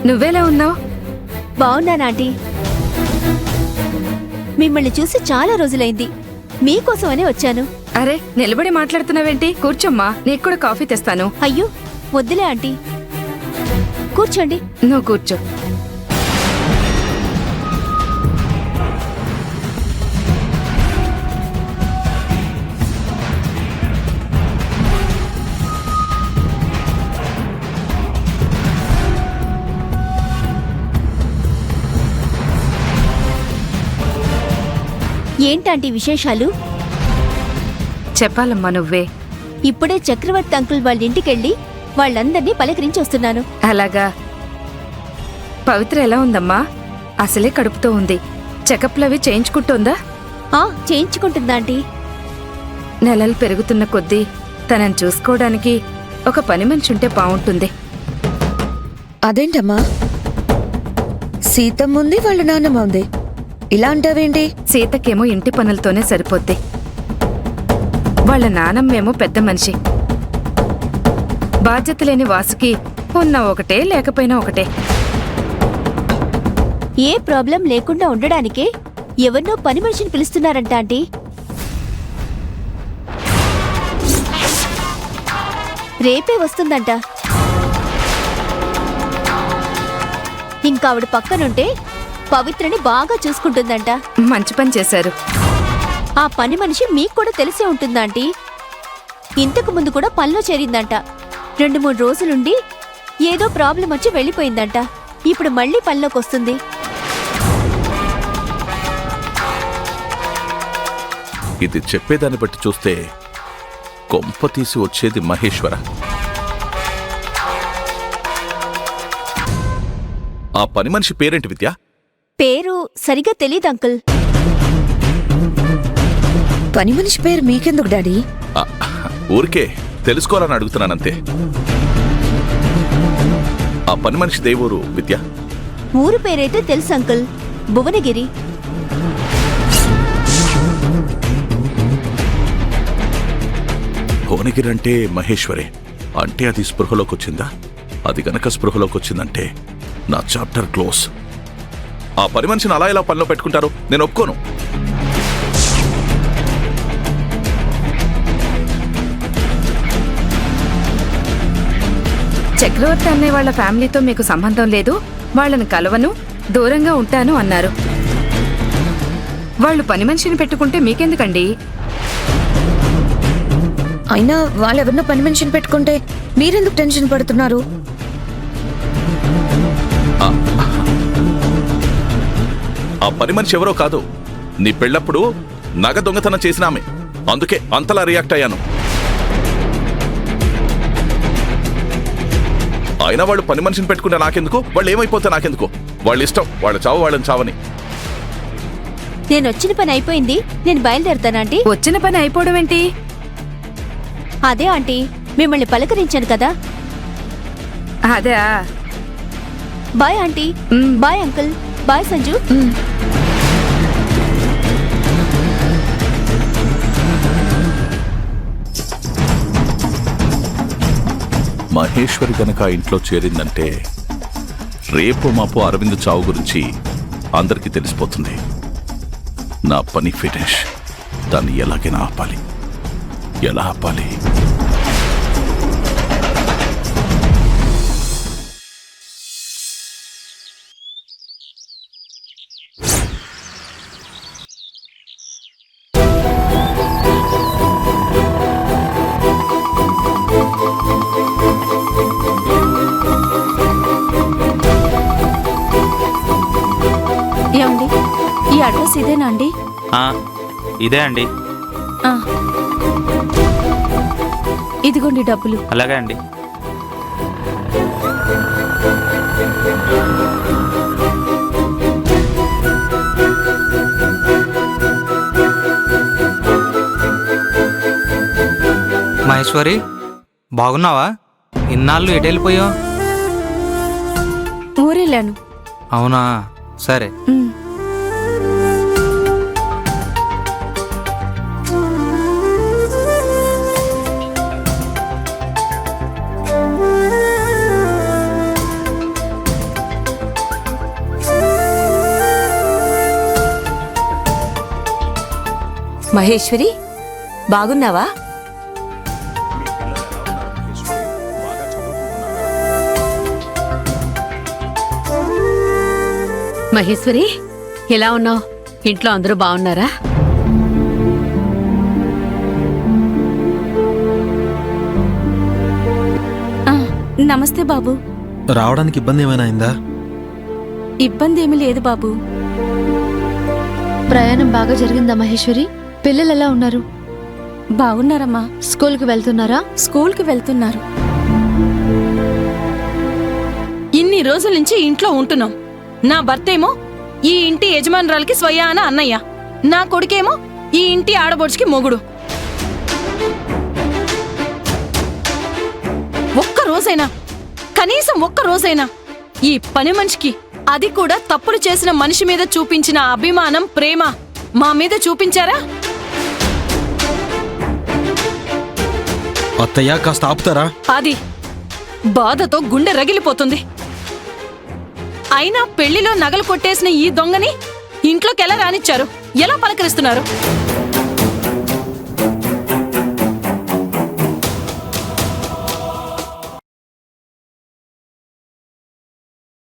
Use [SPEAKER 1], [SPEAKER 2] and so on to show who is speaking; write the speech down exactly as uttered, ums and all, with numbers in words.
[SPEAKER 1] నువ్వెలా ఉన్నావు?
[SPEAKER 2] బావున్నాను ఆంటీ. మిమ్మల్ని చూసి చాలా రోజులైంది. మీకోసమనే వచ్చాను.
[SPEAKER 1] అరే నిలబడి మాట్లాడుతున్నావేంటి? కూర్చోమ్మా, నీకు కూడా కాఫీ తెస్తాను.
[SPEAKER 2] అయ్యో వద్దులే ఆంటీ, కూర్చోండి.
[SPEAKER 1] నువ్వు కూర్చో.
[SPEAKER 2] ఏంటంటీ విశేషాలు?
[SPEAKER 1] చెప్పాలమ్మా నువ్వే.
[SPEAKER 2] ఇప్పుడే చక్రవర్తి అంకుల్ వాళ్ళ ఇంటికెళ్ళి వాళ్ళందర్నీ పలకరించి వస్తున్నాను.
[SPEAKER 1] అలాగా. పవిత్ర ఎలా ఉందమ్మా? అసలే కడుపుతో ఉంది. చెకప్లవి చేయించుకుంటోందా?
[SPEAKER 2] ఆ చేయించుకుంటుందా ఆంటీ?
[SPEAKER 1] నెలలు పెరుగుతున్న కొద్దీ తనని చూసుకోవడానికి ఒక పని మనిషి ఉంటే బావుంటుంది.
[SPEAKER 3] అదేంటమ్మా, సీతమ్మ ఉంది, వాళ్ళ నాన్నమ్మ ఉంది, ఇలా అంటావేంటి?
[SPEAKER 1] సీతకేమో ఇంటి పనులతోనే సరిపోద్ది. వాళ్ళ నానమ్మేమో పెద్ద మనిషి. బాధ్యత లేని వాసుకి ఉన్నా ఒకటే లేకపోయినా ఒకటే.
[SPEAKER 2] ఏ ప్రాబ్లం లేకుండా ఉండడానికే ఎవరినో పని మనిషిని పిలుస్తున్నారంట ఆంటీ. రేపే వస్తుందంట. ఇంకా ఆవిడ పక్కనుంటే పవిత్రని బాగా చూసుకుంటుందంట.
[SPEAKER 1] మంచి పని చేశారు.
[SPEAKER 2] ఆ పని మనిషి మీకు కూడా తెలిసే ఉంటుందాంటీ. ఇంతకు ముందు కూడా పనిలో చేరిందంట. రెండు మూడు రోజులుండి ఏదో ప్రాబ్లం వచ్చి వెళ్ళిపోయిందంట. ఇప్పుడు మళ్ళీ పనిలోకి వస్తుంది.
[SPEAKER 4] ఇది చెప్పేదాన్ని బట్టి చూస్తే కొంప తీసి వచ్చేది మహేశ్వర. ఆ పని మనిషి పేరేంటి విద్య?
[SPEAKER 2] పేరు సరిగా తెలీదు అంకుల్.
[SPEAKER 3] పని మనిషి పేరు మీకెందుకు డాడీ?
[SPEAKER 4] ఆ, ఊరికే తెలుసుకోవాలని అడుగుతున్నానంతే. ఆ పని మనిషి దేవూరు విద్య?
[SPEAKER 2] ఊరు పేరైతే తెలుసు అంకుల్, భువనగిరి.
[SPEAKER 4] భువనగిరి అంటే మహేశ్వరే. అంటే అది స్పృహలోకి వచ్చిందా? అది గనక స్పృహలోకి వచ్చిందంటే నా చాప్టర్ క్లోజ్. ఆ పని మనిషిని అలా ఎలా పనిలో పెట్టుకుంటారు? నేను ఒప్పుకోను.
[SPEAKER 1] చక్రవర్తి అనే వాళ్ళ ఫ్యామిలీతో మీకు సంబంధం లేదు, వాళ్ళని కలవను, దూరంగా ఉంటాను అన్నారు. వాళ్ళు పని మనిషిని పెట్టుకుంటే మీకెందుకండి?
[SPEAKER 3] అయినా వాళ్ళెవరినో పని మనిషిని పెట్టుకుంటే మీరెందుకు టెన్షన్ పడుతున్నారు?
[SPEAKER 4] ఆ పని మనిషి ఎవరో కాదు, నీ పెళ్ళప్పుడు నగ దొంగతనం చేసిన ఆమె. అందుకే అంతలా రియాక్ట్ అయ్యాను. అయినా వాళ్ళు పని మనిషిని పెట్టుకుంటే నాకెందుకు? వాళ్ళు ఏమైపోతే నాకెందుకు? వాళ్ళ ఇష్టం, వాళ్ళ చావు వాళ్ళని చావని.
[SPEAKER 2] నేను వచ్చిన పని అయిపోయింది, నేను బయలుదేరుతాను ఆంటీ.
[SPEAKER 1] వచ్చిన పని అయిపోవడం ఏంటి?
[SPEAKER 2] అదే ఆంటీ, మిమ్మల్ని పలకరించాను కదా.
[SPEAKER 1] అదే.
[SPEAKER 2] Bye aunty. Bye uncle. Bye Sanju.
[SPEAKER 4] Maheshwari గనక ఇంట్లో చేరిందంటే రేపు మాపు అరవింద్ చావు గురించి అందరికీ తెలిసిపోతుంది. నా పని ఫినిష్. దాన్ని ఎలాగైనా ఆపాలి. ఎలా ఆపాలి?
[SPEAKER 2] ఏమండి, ఈ అడ్రస్ ఇదేనా అండి?
[SPEAKER 5] ఇదే అండి.
[SPEAKER 2] ఇదిగోండి డబ్బులు.
[SPEAKER 5] అలాగే అండి. మహేశ్వరి, బాగున్నావా? ఇన్నాళ్ళు ఎటు వెళ్ళిపోయావు?
[SPEAKER 2] ఊరెళ్ళాను.
[SPEAKER 5] అవునా, సరే.
[SPEAKER 6] మహేశ్వరి బాగున్నావా?
[SPEAKER 7] మహేశ్వరి ఎలా ఉన్నావు? ఇంట్లో అందరూ బాగున్నారా?
[SPEAKER 2] నమస్తే బాబు.
[SPEAKER 8] రావడానికి ఇబ్బంది ఏమైనా అయిందా?
[SPEAKER 2] ఇబ్బంది ఏమీ లేదు బాబు.
[SPEAKER 9] ప్రయాణం బాగా జరిగిందా మహేశ్వరి? పిల్లలు ఎలా ఉన్నారు?
[SPEAKER 2] బాగున్నారమ్మా.
[SPEAKER 9] స్కూల్కి వెళ్తున్నారా?
[SPEAKER 2] స్కూల్కి వెళ్తున్నారు.
[SPEAKER 10] ఇన్ని రోజుల నుంచి ఇంట్లో ఉంటున్నాం. నా భర్తేమో ఈ ఇంటి యజమానురాలకి స్వయాన అన్నయ్య, నా కొడుకేమో ఈ ఇంటి ఆడబొడుచుకి మొగుడు. ఒక్క రోజైనా, కనీసం ఒక్క రోజైనా ఈ పని మనిషికి, అది కూడా తప్పులు చేసిన మనిషి మీద చూపించిన అభిమానం, ప్రేమ మా మీద చూపించారా?
[SPEAKER 8] అత్తయ్య కాస్త ఆపుతారా?
[SPEAKER 10] అది బాధతో గుండె రగిలిపోతుంది. అయినా పెళ్లిలో నగలు కొట్టేసిన ఈ దొంగని ఇంట్లోకి ఎలా రానిచ్చారు? ఎలా పలకరిస్తున్నారు?